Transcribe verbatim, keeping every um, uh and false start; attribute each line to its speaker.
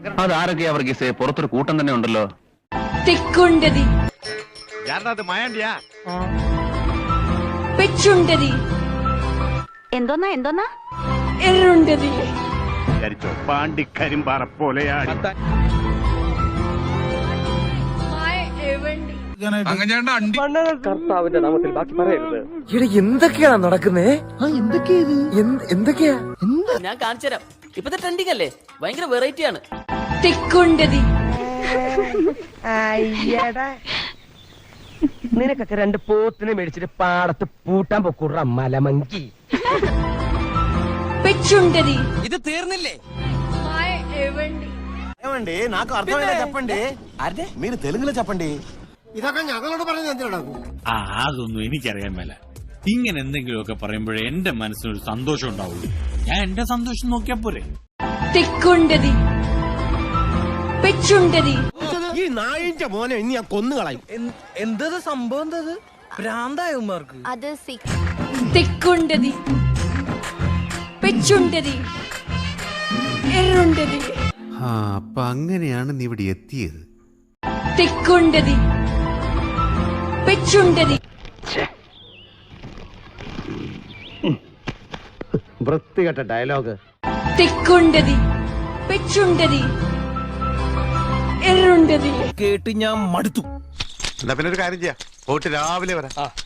Speaker 1: അതാരൊക്കെയാ വർഗീസേ? പുറത്തൊരു കൂട്ടം തന്നെ ഉണ്ടല്ലോ.
Speaker 2: തിക്കുണ്ടതി, പെച്ചുണ്ടതി,
Speaker 3: എന്തോന്നാ എന്തോന്നാ
Speaker 2: എറുണ്ടതി,
Speaker 4: പാണ്ടിക്കരിമ്പാറ പോലെയാണ്.
Speaker 5: കർത്താവിന്റെ നാമത്തിൽ ബാക്കി പറയരുത്. ഇവിടെ എന്തൊക്കെയാണ് നടക്കുന്നേ? എന്തൊക്കെയാ?
Speaker 6: ഞാൻ കാണിച്ചുതരാം. ഇപ്പത്തെ ട്രെൻഡിങ് അല്ലേ, ഭയങ്കര വെറൈറ്റി ആണ്.
Speaker 2: തിക്കുണ്ടതി,
Speaker 5: നിനക്കൊക്കെ രണ്ട് പോത്തിനെ മേടിച്ചിട്ട് പാടത്ത് പൂട്ടാൻ പൊക്കൂട മലമങ്കി.
Speaker 2: പെച്ചുണ്ടതി.
Speaker 6: ഇത് തീർന്നില്ലേ?
Speaker 7: నాకు అర్థమైనా చెప్పండి. మీరు తెలుగులో చెప్పండి. ഇതൊക്കെ ഞങ്ങളോട് പറഞ്ഞത് എന്തിനാണ്?
Speaker 8: ആ അതൊന്നും എനിക്കറിയാൻ മേല. ഇങ്ങനെ എന്തെങ്കിലുമൊക്കെ പറയുമ്പോഴേ എന്റെ മനസ്സിനൊരു സന്തോഷം ഉണ്ടാവുള്ളൂ. ഞാൻ എന്റെ സന്തോഷം നോക്കിയാ പോരെ.
Speaker 2: തിക്കുണ്ടതി, പെച്ചുണ്ടതി.
Speaker 7: ഈ നായിന്റെ മോനെ ഇനി ഞാൻ കൊന്നുകളയും.
Speaker 5: എന്തത് സംഭവം? എന്തത് ഭ്രാന്തായമാർക്ക്?
Speaker 3: അത്
Speaker 2: തിക്കുണ്ടതി, പെച്ചുണ്ടതി, എറുണ്ടതി.
Speaker 9: അപ്പൊ അങ്ങനെയാണ് നീ ഇവിടെ എത്തിയത്.
Speaker 2: തിക്കുണ്ടതി, പെച്ചുണ്ടതി.
Speaker 7: വൃത്തികെട്ട ഡയലോഗ്.
Speaker 2: തിക്കുണ്ടതി, പെച്ചുണ്ടതി, എറുണ്ടതി.
Speaker 5: കേട്ട് ഞാൻ മടുത്തു.
Speaker 4: എന്നാ പിന്നെ ഒരു കാര്യം ചെയ്യാം, പോയിട്ട് രാവിലെ വരാം.